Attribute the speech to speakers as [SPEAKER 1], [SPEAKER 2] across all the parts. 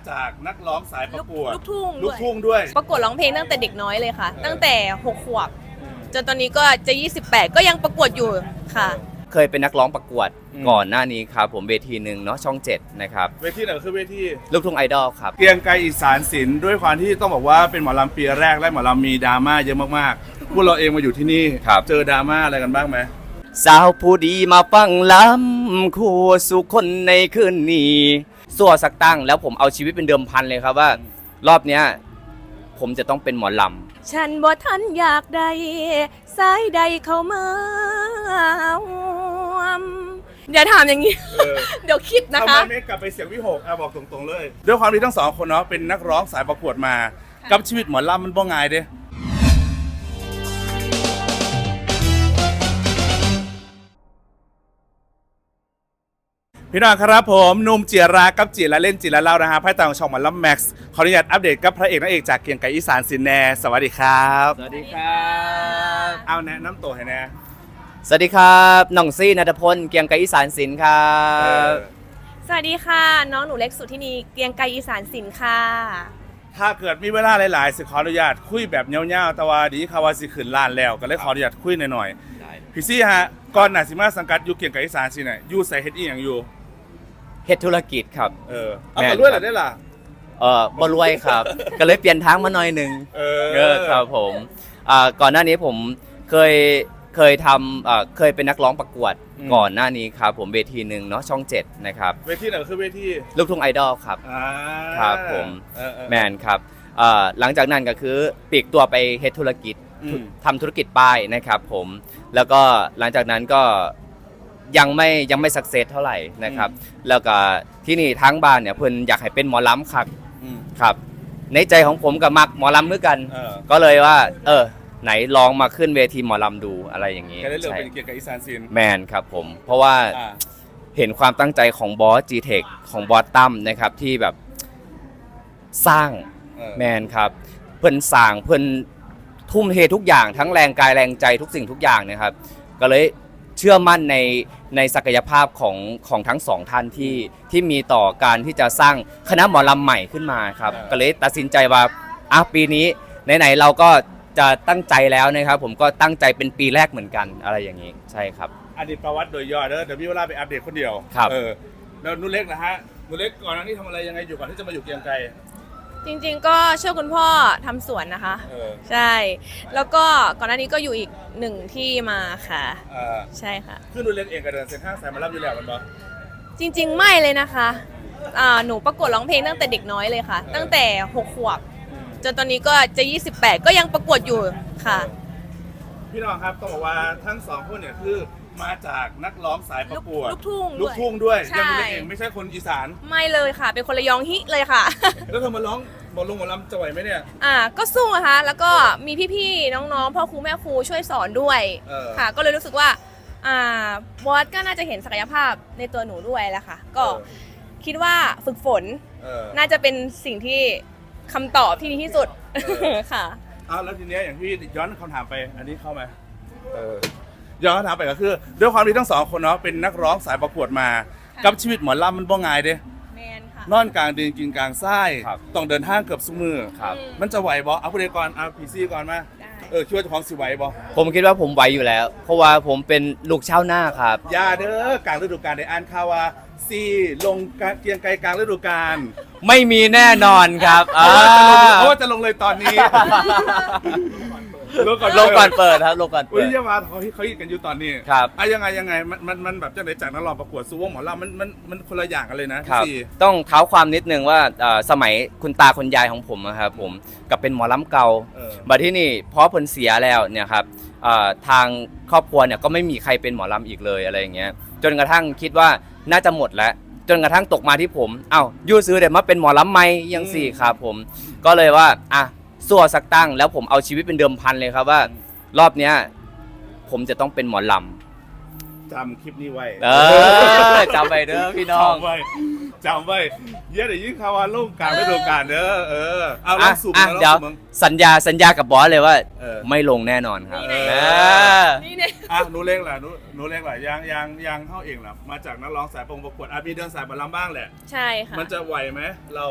[SPEAKER 1] จากนักร้องสายประกวด
[SPEAKER 2] ลูกทุ่ง
[SPEAKER 1] ลูกทุ่งด้วย
[SPEAKER 2] ประกวดร้องเพลงตั้งแต่เด็กน้อยเลยค่ะ ตั้งแต่6 ขวบจนตอนนี้ก็จะ28ก็ยังประกวดอยู่ค่ะ
[SPEAKER 3] เคยเป็นนักร้องประกวดก่อนหน้านี้ครับผมเวทีหนึ่งเนาะช่อง 7นะครับ
[SPEAKER 1] เวทีไหนคือเวที
[SPEAKER 3] ลูกทุ่งไอดอลครับ
[SPEAKER 1] เกรียงไกรอีสานศิลป์ด้วยความที่ต้องบอกว่าเป็นหมอลำปีแรกและหมอลำมีดราม่าเยอะมากๆพวกเราเองมาอยู่ที่นี่
[SPEAKER 3] ครับ
[SPEAKER 1] เจอดราม่าอะไรกันบ้างไหม
[SPEAKER 3] สาวผู้ดีมาฟังลำคู่สู่คนในคืนนี้สัวสักตั้งแล้วผมเอาชีวิตเป็นเดิมพันเลยครับว่ารอบเนี้ยผมจะต้องเป็นหมอลำ
[SPEAKER 2] ฉันบ่ทันอยากได้สายใดเข้ามาเดี๋ยวถามอย่างนี้ เดี๋ยวคิดนะ
[SPEAKER 1] ทำไม
[SPEAKER 2] คะ
[SPEAKER 1] ไม่กลับไปเสียงวิหกบอกตรงๆเลย ด้วยความที่ทั้งสองคนเนาะเป็นนักร้องสายประกวดมา กับชีวิตหมอลำมันบ่ง่ายเด้พี่น้องครับผมหนุ่มเจียรากับจีละเล่นจีละเล่านะฮะไพ่ตามช่องหมอลำแม็กซ์ขออนุญาตอัปเดตกับพระเอกนางเอกจากเกรียงไกรอีสานศิลป์แน่สวัสดีครับ
[SPEAKER 3] สวัสดีครับ
[SPEAKER 1] เอาแนะน้ำตัวให้แน่
[SPEAKER 3] สวัสดีครับน้องซี่ณัฐพลเกียงไกรอีสานศิลป์ครั
[SPEAKER 1] เอบ อ
[SPEAKER 2] สวัสดีค่ะ น้องหนูเล็กสุธินีเกรียงไกรอีสานศิลป์ค่ะ
[SPEAKER 1] ถ้าเกิดมีเวลาหลายๆสิขออนุญาตคุยแบบเงี้ยวๆแต่ว่าดีค่ะว่าสิขึ้นล้านแล้วก็เลยขออนุญาตคุยหน่อยๆพี่ซี่ฮะก่อนหน้าสิมาสังกัดอยู่เกรียงไกรอีสานศิลป์เนี่ยอยู่ใส่เฮ็ดอีหยังอยู่
[SPEAKER 3] เฮ็ดธุรกิจครับ
[SPEAKER 1] เอา
[SPEAKER 3] แม่น
[SPEAKER 1] ไปด้วยเหรอได้ล่ะ
[SPEAKER 3] บ่รวยครับ ก็เลยเปลี่ยนทางมาหน่อยหนึ่งครับผมก่อนหน้านี้ผมเคยทำเคยเป็นนักร้องประกวดก่อนหน้านี้ครับผมเวทีหนึ่งเนาะช่อง 7นะครับ
[SPEAKER 1] เวทีไหนคือเวที
[SPEAKER 3] ลูกทุ่งไอดอลครับ
[SPEAKER 1] อ่า
[SPEAKER 3] ครับผม
[SPEAKER 1] เออ
[SPEAKER 3] แมนครับหลังจากนั้นก็คือปลีกตัวไปเฮ็ดธุรกิจ ทำธุรกิจป้ายนะครับผมแล้วก็หลังจากนั้นก็ยังไม่สักเซสเท่าไหร่นะครับแล้วก็ที่นี่ทั้งบ้านเนี่ยเพิ่นอยากให้เป็นหมอลำครับ ครับในใจของผมกับมักหมอลำด้วยกัน ก็เลยว่าไหนลองมาขึ้นเวทีหมอลำดูอะไรอย่างนี้
[SPEAKER 1] ก็ได้เลือก
[SPEAKER 3] ใช่
[SPEAKER 1] เป็นเกียรติกับอีสานศิลป์
[SPEAKER 3] แมนครับผมเพราะว่าเห็นความตั้งใจของบอส G-Tech ของบอสตั้มนะครับที่แบบสร้างแมนครับเพิ่นสร้างเพิ่นทุ่มเททุกอย่างทั้งแรงกายแรงใจทุกสิ่งทุกอย่างนะครับก็เลยเชื่อมั่นในศักยภาพของทั้งสองท่านที่มีต่อการที่จะสร้างคณะหมอลำใหม่ขึ้นมาครับก็เลยตัดสินใจว่าปีนี้ไหนๆเราก็จะตั้งใจแล้วนะครับผมก็ตั้งใจเป็นปีแรกเหมือนกันอะไรอย่างนี้ใช่ครับ
[SPEAKER 1] อดีตประวัติโดยย่อเดี๋ยวมีเวลาไปอัปเดตคนเดียว
[SPEAKER 3] ครับ
[SPEAKER 1] แล้วนุ่นเล็กนะฮะนุ่นเล็กก่อนหน้านี้ทำอะไรยังไงอยู่ก่อนที่จะมาอยู่เกรียงไกร
[SPEAKER 2] จริงๆก็ช่วยคุณพ่อทำสวนนะคะ ใช่ แล้วก็ก่อนหน้านี้ก็อยู่อีกหนึ่งที่มาค่ะ ใช่ค่ะ
[SPEAKER 1] คือนุ่นเล็กเองก็เดินเส้นทางสายหมารับอยู่แล้วมันบ่
[SPEAKER 2] จริงๆไม่เลยนะคะหนูประกวดร้องเพลงตั้งแต่เด็กน้อยเลยค่ะ ตั้งแต่6 ขวบจนตอนนี้ก็จะ28ก็ยังประกวดอยู่ค่ะ
[SPEAKER 1] พี่น้องครับต้องบอกว่าทั้งสองคนเนี่ยคือมาจากนักร้องสายประกวด
[SPEAKER 2] ลูกทุ่ง
[SPEAKER 1] ลูกทุ่งด้วย
[SPEAKER 2] ใช่
[SPEAKER 1] ยังนุ่นเล็กเองไม่ใช่คนอีสาน
[SPEAKER 2] ไม่เลยค่ะ เป็นคนระยองฮิเลยค่ะ
[SPEAKER 1] แล้วเธอมาร้องหมอลำจะไหวไหมเนี่ย
[SPEAKER 2] ก็สู้นะคะแล้วก็มีพี่ๆน้องๆพ่อครูแม่ครูช่วยสอนด้วย ค่ะ ก็เลยรู้สึกว่าบอสก็น่าจะเห็นศักยภาพในตัวหนูด้วยแหละค่ะ ก็คิดว่าฝึกฝนน่าจะเป็นสิ่งที่คำตอบที่ดีที่สุดค่ะ
[SPEAKER 1] แล้วทีเนี้ยอย่างที่ย้อนคำถามไปอันนี้เข้าไหมย้อนคำถามไปก็คือด้วยความที่ทั้งสองคนเนาะเป็นนักร้องสายประกวดมา กับชีวิตหมอลำมันบ่ง่ายเด้
[SPEAKER 2] แมนค่ะ
[SPEAKER 1] นอนกลางดินกินกลางทราย
[SPEAKER 3] ครับ
[SPEAKER 1] ต้องเดินทางเกือบซุมือ
[SPEAKER 3] ครับ
[SPEAKER 1] มันจะไหวบ่เอาผู้ใดก่อนเอาพีซีก่อนมา
[SPEAKER 2] ได้
[SPEAKER 1] คิดว่าเจะของสิไหวบ่
[SPEAKER 3] ผมคิดว่าผมไหวอยู่แล้ว เพราะว่าผมเป็นลูกชาวนาครับ
[SPEAKER 1] อย่าเด้อกลางฤดูกาลได้อ่านข่าวว่าซีลงเกรียงไกรกลางฤดูกาล
[SPEAKER 3] ไม่มีแน่นอนครับ
[SPEAKER 1] เพราะว่าจะลงเลยตอนนี้
[SPEAKER 3] ลงก่อนเปิดครับลงก่อน
[SPEAKER 1] อุ้
[SPEAKER 3] เปิ
[SPEAKER 1] ย
[SPEAKER 3] ด
[SPEAKER 1] เยามาเขาฮิตกันอยู่ตอนนี้
[SPEAKER 3] ครับ
[SPEAKER 1] ยังไงมันแบบจะไหนจากนักร้องประกวดซูวงหมอลำมันคนละอย่างกันเลยนะครับ พี่
[SPEAKER 3] ต้องเท้าความนิดนึงว่าสมัยคุณตาคุณยายของผมนะครับผมกับเป็นหมอลำเก่าบัดที่นี่พอเพิ่นเสียแล้วเนี่ยครับทางครอบครัวเนี่ยก็ไม่มีใครเป็นหมอลำอีกเลยอะไรอย่างเงี้ยจนกระทั่งคิดว่าน่าจะหมดแล้วจนกระทั่งตกมาที่ผมยู่ซื้อเดี๋ยวมาเป็นหมอลำไหมยังสี่ครับผมก็เลยว่าสัวสักตั้งแล้วผมเอาชีวิตเป็นเดิมพันเลยครับว่ารอบเนี้ยผมจะต้องเป็นหมอลำ
[SPEAKER 1] จำคลิปนี้ไว้
[SPEAKER 3] จำไปเด้อพี่น้อง
[SPEAKER 1] จำไว้เยอะเดี๋ยวยิ่งข่าวว่าลูกกลางฤดูกาลเด้อเอาลองสุ่ม
[SPEAKER 3] เดี๋ยวสัญญากับบอสเลยว่า ไม่ลงแน่นอนครับ
[SPEAKER 2] นี่เนี่ย
[SPEAKER 1] หนูเล็กแหละหนูเล็กแหละยังเข้าเองแหละมาจากนักร้องสายประกวดมีเดินสายหมอลำบ้างแหละ
[SPEAKER 2] ใช่ค่ะ
[SPEAKER 1] มันจะไหวไหมเรา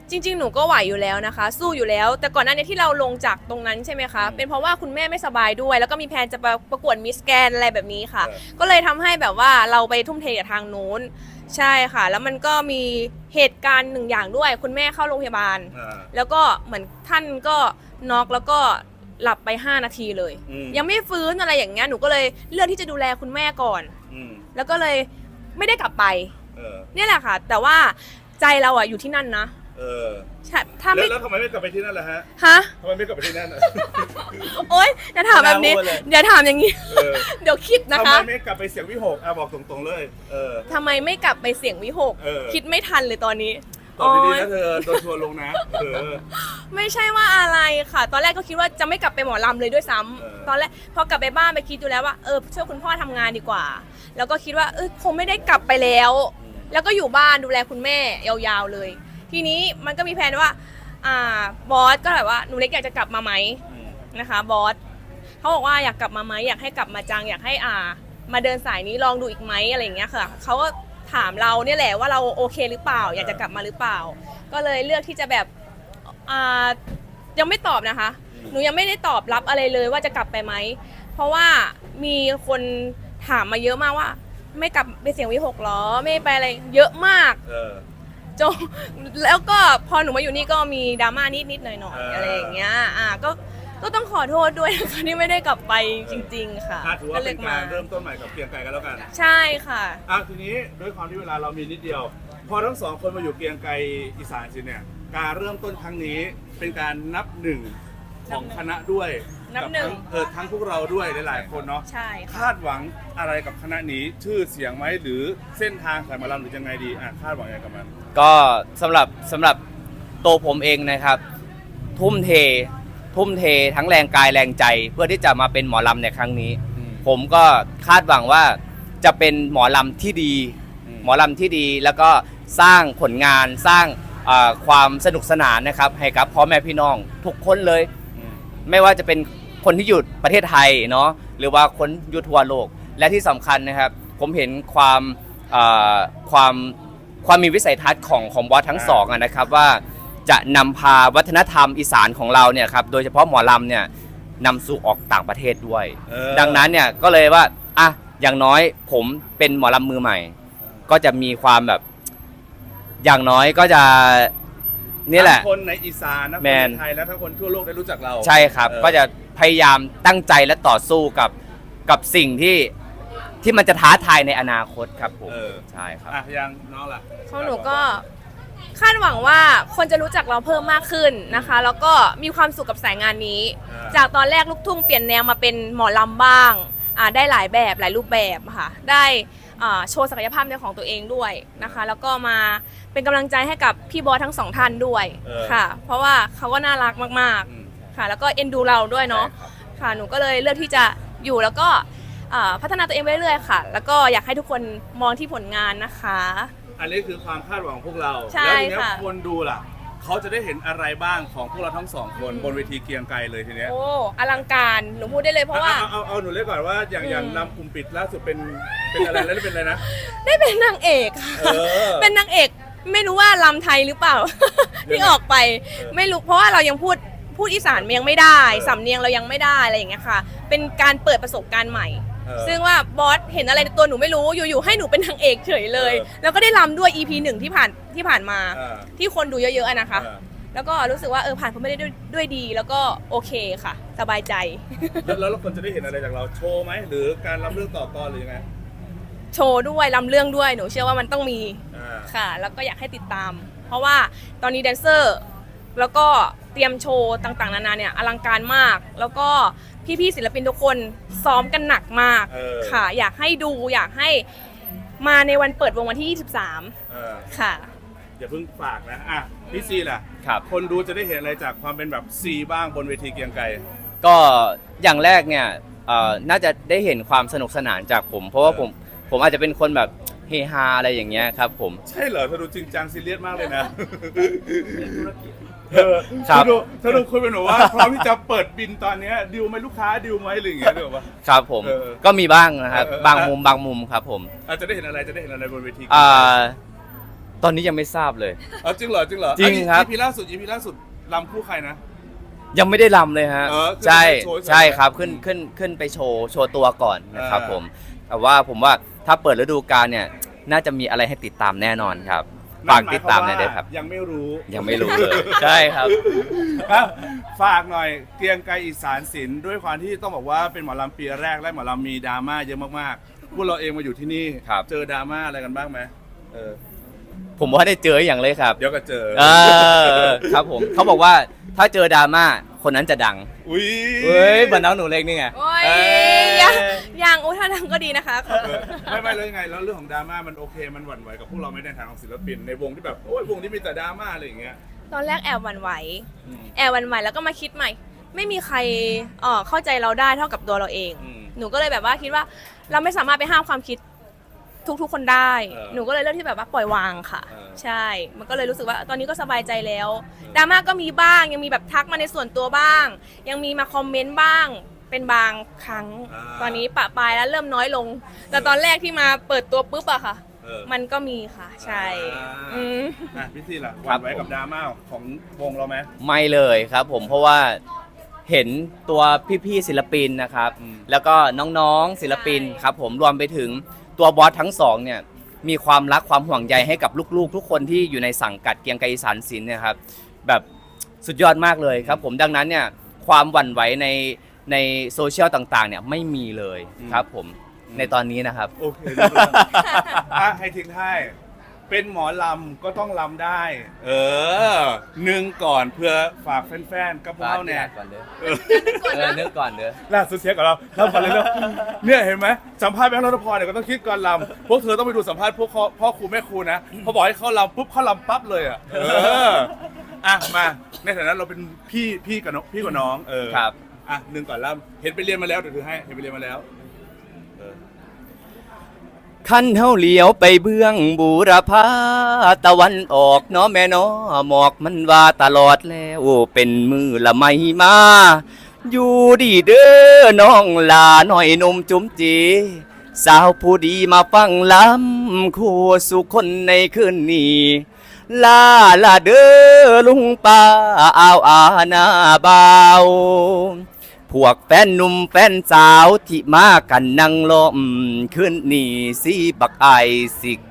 [SPEAKER 2] จริงๆ หนูก็ไหวอยู่แล้วนะคะ สู้อยู่แล้ว แต่ก่อนหน้านี้ที่เราลงจากตรงนั้นใช่ไหมคะ เป็นเพราะว่าคุณแม่ไม่สบายด้วย แล้วก็มีแพลนจะประกวดมิสแกนอะไรแบบนี้ค่ะ ก็เลยทำให้แบบว่าเราไปทุ่มเทกับทางนู้นใช่ค่ะ แล้วมันก็มีเหตุการณ์หนึ่งอย่างด้วย คุณแม่เข้าโรงพยาบาล แล้วก็เหมือนท่านก็น็อกแล้วก็หลับไป5 นาทีเลย ยังไม่ฟื้นอะไรอย่างเงี้ย หนูก็เลยเลือกที่จะดูแลคุณแม่ก่อนแล้วก็เลยไม่ได้กลับไปเนี่ยแหละค่ะ แต่ว่าใจเราอะอยู่ที่นั่นนะถ้าไม่
[SPEAKER 1] แล้วทำไมไม่กลับไปที่นั่นล่ะฮะทำไมไม่กลับไปที่นั่น
[SPEAKER 2] โอ๊ยอย่าถามแบบนี้เดี๋ยวถามอย่างนี้เดี๋ยวคิดนะคะ
[SPEAKER 1] ทำไมไม่กลับไปเสียงวิหกบอกตรงๆเลย
[SPEAKER 2] ทำไมไม่กลับไปเสียงวิหกคิดไม่ทันเลยตอนนี้
[SPEAKER 1] ตอบดีๆนะเธอโดนทัวร์ลงนะ
[SPEAKER 2] ไม่ใช่ว่าอะไรค่ะ ตอนแรกก็คิดว่าจะไม่กลับไปหมอลำเลยด้วยซ้ำตอนแรกพอกลับไปบ้านไปคิดดูแล้วว่าช่วยคุณพ่อทำงานดีกว่าแล้วก็คิดว่าคงไม่ได้กลับไปแล้วแล้วก็อยู่บ้านดูแลคุณแม่ยาวๆเลยทีนี้มันก็มีแผนว่าบอสก็แบบว่าหนูเล็กอยากจะกลับมาไหมนะคะบอสเขาบอกว่าอยากกลับมาไหมอยากให้กลับมาจังอยากให้มาเดินสายนี้ลองดูอีกไหมอะไรอย่างเงี้ยค่ะเขาก็ถามเราเนี่ยแหละว่าเราโอเคหรือเปล่าอยากจะกลับมาหรือเปล่าก็เลยเลือกที่จะแบบยังไม่ตอบนะคะหนูยังไม่ได้ตอบรับอะไรเลยว่าจะกลับไปไหมเพราะว่ามีคนถามมาเยอะมากว่าไม่กลับไปเสียงวิหกหรอไม่ไปอะไรเยอะมากจนแล้วก็พอหนูมาอยู่นี่ก็มีดราม่านิดๆหน่อยๆอะไรอย่างเงี้ยก็ต้องขอโทษด้วยนะคะที่ไม่ได้กลับไปจริงๆค่ะ
[SPEAKER 1] ถือว่าเป็นการเริ่มต้นใหม่กับเกรียงไกรกันแล้วกัน
[SPEAKER 2] ใช่ค่ะ
[SPEAKER 1] ทีนี้ด้วยความที่เวลาเรามีนิดเดียวพอทั้งสองคนมาอยู่เกรียงไกรอีสานสิเนี่ยการเริ่มต้นครั้งนี้เป็นการนับหนึ่งของคณะด้วย
[SPEAKER 2] นับหนึ่ง
[SPEAKER 1] ทั้งพวกเราด้วยหลายๆคนเนาะ
[SPEAKER 2] ใช่
[SPEAKER 1] คาดหวังอะไรกับคณะนี้ชื่อเสียงไหมหรือเส้นทางสายหมอลำหรือยังไงดีคาดหวังยังไงกับมัน
[SPEAKER 3] ก็สำหรับตัวผมเองนะครับทุ่มเททั้งแรงกายแรงใจเพื่อที่จะมาเป็นหมอลำในครั้งนี้ผมก็คาดหวังว่าจะเป็นหมอลำที่ดีแล้วก็สร้างผลงานสร้างความสนุกสนานนะครับให้กับพ่อแม่พี่น้องทุกคนเลยไม่ว่าจะเป็นคนที่อยู่ประเทศไทยเนาะหรือว่าคนอยู่ทั่วโลกและที่สำคัญนะครับผมเห็นความมีวิสัยทัศน์ของบอสทั้งสองนะครับว่าจะนำพาวัฒนธรรมอีสานของเราเนี่ยครับโดยเฉพาะหมอลำเนี่ยนำสู่ออกต่างประเทศด้วยดังนั้นเนี่ยก็เลยว่าอย่างน้อยผมเป็นหมอลำมือใหม่ก็จะมีความแบบอย่างน้อยก็จะนี่แหละ
[SPEAKER 1] คนในอีสานนะคนในไทยแล้วทั้งคนทั่วโลกได้รู้จักเรา
[SPEAKER 3] ใช่ครับก็จะพยายามตั้งใจและต่อสู้กับสิ่งที่มันจะท้าทายในอนาคตครับผมใช่ครับ
[SPEAKER 1] ยังน้องล่ะ
[SPEAKER 2] ของหนูก็คาดหวังว่าคนจะรู้จักเราเพิ่มมากขึ้นนะคะแล้วก็มีความสุขกับสายงานนี้จากตอนแรกลูกทุ่งเปลี่ยนแนวมาเป็นหมอลำบ้างได้หลายแบบหลายรูปแบบค่ะได้โชว์ศักยภาพในของตัวเองด้วยนะคะแล้วก็มาเป็นกำลังใจให้กับพี่บอสทั้งสองท่านด้วยค่ะเพราะว่าเขาก็น่ารักมากๆค่ะแล้วก็เอ็นดูเราด้วยเนาะค่ะหนูก็เลยเลือกที่จะอยู่แล้วก็พัฒนาตัวเองไปเรื่อยๆค่ะแล้วก็อยากให้ทุกคนมองที่ผลงานนะคะ
[SPEAKER 1] อันนี้คือความคาดหวังของพวกเรา
[SPEAKER 2] แล้วที
[SPEAKER 1] นี้คนดูล่ะเขาจะได้เห็นอะไรบ้างของพวกเราทั้งสองคนบนเวทีเกรียงไกรเลยทีเนี้ย
[SPEAKER 2] โอ้อลังการหนูพูดได้เลยเพราะว่า
[SPEAKER 1] เอาหนูเล่นก่อนว่าอย่างลำกลุ่มปิดล่าสุดเป็นอะไรแล้วเป็นอะไรนะ
[SPEAKER 2] ได้เป็นนางเอกเป็นนางเอกไม่รู้ว่าลำไทยหรือเปล่าที่ออกไปไม่รู้เพราะว่าเรายังพูดอีสานยังไม่ได้สำเนียงเรายังไม่ได้อะไรอย่างเงี้ยค่ะเป็นการเปิดประสบการณ์ใหม่ซึ่งว่าบอสเห็นอะไรในตัวหนูไม่รู้อยู่ๆให้หนูเป็นนางเอกเฉยเลยแล้วก็ได้รำด้วย EP 1ที่ผ่านมาที่คนดูเยอะๆนะคะแล้วก็รู้สึกว่าผ่านพ้นไปได้ด้วยดีแล้วก็โอเคค่ะสบายใจ
[SPEAKER 1] แล้วคนจะได้เห็นอะไรจากเราโชว์ไหมหรือการรำเรื่องต่อกรหรือยังไง
[SPEAKER 2] โชว์ด้วยรำเรื่องด้วยหนูเชื่อว่ามันต้องมีค่ะแล้วก็อยากให้ติดตามเพราะว่าตอนนี้แดนเซอร์แล้วก็เตรียมโชว์ต่างๆนานาเนี่ยอลังการมากแล้วก็พี่ๆศิลปินทุกคนซ้อมกันหนักมากค่ะอยากให้ดูอยากให้มาในวันเปิดวงวันที่23ค่ะ
[SPEAKER 1] อย่าเพิ่งฝากนะพี่ซีล่ะคนดูจะได้เห็นอะไรจากความเป็นแบบซีบ้างบนเวทีเกรียงไกร
[SPEAKER 3] ก็อย่างแรกเนี่ยน่าจะได้เห็นความสนุกสนานจากผมเพราะว่าผมอาจจะเป็นคนแบบเฮฮาอะไรอย่างเงี้ยครับผม
[SPEAKER 1] ใช่เหรอเธอดูจริงจังซีเรียสมากเลยนะเธอดูคุยเป็นหนูว่าพร้อมที่จะเปิดบินตอนนี้ดิวไหมลูกค้าดิวไหมหรืออย่างเงี้ยหรือเปล่า
[SPEAKER 3] ครับผมก็มีบ้างนะครับบางมุมครับผม
[SPEAKER 1] จะได้เห็นอะไรบนเวที
[SPEAKER 3] ตอนนี้ยังไม่ทราบเลย
[SPEAKER 1] จริงเหรอจริงเหรอ
[SPEAKER 3] จริงครับ
[SPEAKER 1] อีพีล่าสุดรำคู่ใครนะ
[SPEAKER 3] ยังไม่ได้รำเลยฮะ
[SPEAKER 1] ขึ้น
[SPEAKER 3] ใช่
[SPEAKER 1] ไปโชว์
[SPEAKER 3] ใช่
[SPEAKER 1] ใช่ไหม
[SPEAKER 3] ครับขึ้นไปโชว์ตัวก่อนนะครับ
[SPEAKER 1] อ่า
[SPEAKER 3] ผมแต่ว่าผมว่าถ้าเปิดฤดูกาลเนี่ยน่าจะมีอะไรให้ติดตามแน่นอนครับฝากติดตามหน่อยด้วยครับ
[SPEAKER 1] ยังไม่รู้
[SPEAKER 3] ยังไม่รู้เลยใช่ครับ
[SPEAKER 1] ครับฝากหน่อยเกรียงไกรอีสานศิลป์ด้วยความที่ต้องบอกว่าเป็นหมอลำปีแรกและหมอลำมีดราม่าเยอะมากๆพวกเราเองมาอยู่ที่นี่
[SPEAKER 3] ครับ
[SPEAKER 1] เจอดราม่าอะไรกันบ้างไหมเออ
[SPEAKER 3] ผมว่าได้เจออย่างเลยครับ
[SPEAKER 1] เดี๋ยวก็เจอ
[SPEAKER 3] ครับผมเขาบอกว่าถ้าเจอดราม่าคนนั้นจะดัง
[SPEAKER 1] อุ้ย
[SPEAKER 3] เฮ้ยบันน้องหนูเล็กนี่ไง
[SPEAKER 2] โอ้ย
[SPEAKER 1] เอ้ย
[SPEAKER 2] ยังอุ้ยถ้าดังก็ดีนะคะ
[SPEAKER 1] ไม่แล้วยังไงแล้วเรื่องของดราม่ามันโอเคมันหวั่นไหวกับพวกเราไม่ในทางของศิลปินในวงที่แบบโอ้ยวงที่มีแต่ดราม่าอะไรอย่างเงี้ย
[SPEAKER 2] ตอนแรกแอบหวั่นไหว
[SPEAKER 1] อืม
[SPEAKER 2] แอบหวั่นไหวแล้วก็มาคิดใหม่ ไม่มีใครเข้าใจเราได้เท่ากับตัวเราเอง
[SPEAKER 1] อืม
[SPEAKER 2] หนูก็เลยแบบว่าคิดว่าเราไม่สามารถไปห้ามความคิดทุกคนได้
[SPEAKER 1] เออ
[SPEAKER 2] หนูก็เลยเลือกที่แบบว่าปล่อยวางค่ะ
[SPEAKER 1] เออ
[SPEAKER 2] ใช่ มันก็เลยรู้สึกว่าตอนนี้ก็สบายใจแล้วดราม่าก็มีบ้างยังมีแบบทักมาในส่วนตัวบ้าง ยังมีมาคอมเมนต์บ้างเป็นบางครั้ง ตอนนี้ปะปลายแล้วเริ่มน้อยลง แต่ตอนแรกที่มาเปิดตัวปุ๊บอะค่ะ
[SPEAKER 1] เออ
[SPEAKER 2] มันก็มีค่ะ ใช่อืม
[SPEAKER 1] พี่ซีล่ะห
[SPEAKER 3] ครั
[SPEAKER 1] วั่
[SPEAKER 3] บ
[SPEAKER 1] นไหวกับดราม่าของวงเราไหม
[SPEAKER 3] ไม่เลยครับผมเพราะว่าเห็นตัวพี่ๆศิลปินนะครับ
[SPEAKER 1] อืม
[SPEAKER 3] แล้วก็น้องๆศิลปิน
[SPEAKER 2] ใช่
[SPEAKER 3] ครับผมรวมไปถึงตัวบอสทั้งสองเนี่ยมีความรักความห่วงใยให้กับลูกๆ ทุกคนที่อยู่ในสังกัดเกรียงไกรอีสานศิลป์เนะครับแบบสุดยอดมากเลยครับผมดังนั้นเนี่ยความหวั่นไหวในโซเชียลต่างๆเนี่ยไม่มีเลยครับผมในตอนนี้นะครับ
[SPEAKER 1] โอเคให้ทิ้งท้ายเป็นหมอลำก็ต้องลำได้ หนึ่งก่อนเพื่อฝากแฟนๆกับพวกเราเนี่ย
[SPEAKER 3] ก่อนเด้อ
[SPEAKER 1] เออ
[SPEAKER 3] นึกก่อนเด้อ
[SPEAKER 1] ล่าสุดเสียกับเราเล่าก่อนเลยเนอะเนี่ยเห็นไหมสัมภาษณ์แบงค์รัตพรเนี่ยก็ต้องคิดก่อนลำพวกเธอต้องไปดูสัมภาษณ์พวกพ่อครูแม่ครูนะพอบอกให้เขาลำปุ๊บเขาลำปั๊บเลยอ่ะมาในฐานะเราเป็นพี่กับน้องพี่กับน้อง
[SPEAKER 3] ครับ
[SPEAKER 1] หนึ่งก่อนลำเห็นไปเรียนมาแล้วเดี๋ยวถือให้เห็นไปเรียนมาแล้ว
[SPEAKER 3] ขั้นเฮาเลี้ยวไปเบื้องบูรพาตะวันออกเนาะแม่เนาะหมอกมันว่าตลอดแล้วเป็นมือละไม่มา อยู่ดีเด้อน้องลาหน่อยหนุ่มจุ๋มจีสาวผู้ดีมาฟังลำคู่สุคนในคืนนี้ลาเด้อลุงป้าอาหน้าบ่าวพวกแฟนหนุ่มแฟนสาวที่มากันนั่งล้อมขึ้นนี่สิบักไอสิก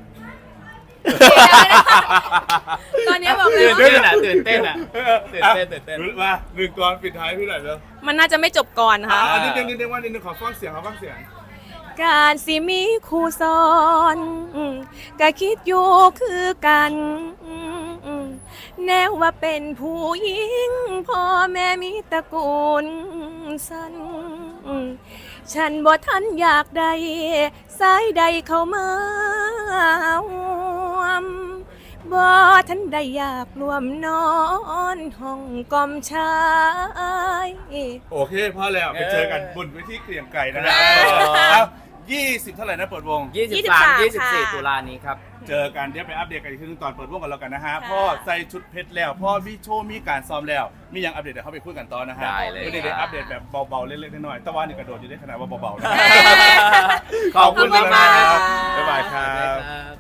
[SPEAKER 2] ตอนนี้บอกเลยว่า
[SPEAKER 3] ตื่นเต้น
[SPEAKER 1] มาหนึ่งก่อนปิดท้ายพี่หน่อยเร็ว
[SPEAKER 2] มันน่าจะไม่จบก่อนค่ะ
[SPEAKER 1] นิดนึงว่านิดนึงขอฟังเสียง
[SPEAKER 2] การสิมีครูสอนก็คิดอยู่คือกันแนวว่าเป็นผู้หญิงพ่อแม่มีตระกูลสั้นฉันบ่ทันอยากได้สายใดเข้ามาห่วมบ่ทันได้อยากรวมนอนห้องกอมชาย
[SPEAKER 1] โอเคพอแล้วไปเจอกันบนเวทีเกรียงไก่นะครับ20 เท่าไหร่นะเปิดวง
[SPEAKER 3] 23-24 ตุลานี้ครับ
[SPEAKER 1] เจอกันเดี๋ยวไปอัปเดตกันอีกทีนึงตอนเปิดวงกันแล้วกันนะฮะพ่อใส่ชุดเพชรแล้วพ่อมีโชว์มีการซ้อมแล้วมีอย่างอัปเดตเดี๋ยวเขาไปคุยกันต่อนะฮะ
[SPEAKER 3] ได้เลย
[SPEAKER 1] ไม่ได้อัปเดตแบบเบาๆเล็กๆน้อยๆแต่ว่านี่กระโดดอยู่ได้ขนาดว่าเบาๆนะ
[SPEAKER 3] ขอบคุณมากๆ
[SPEAKER 1] บ๊ายบายครับ
[SPEAKER 3] ครับ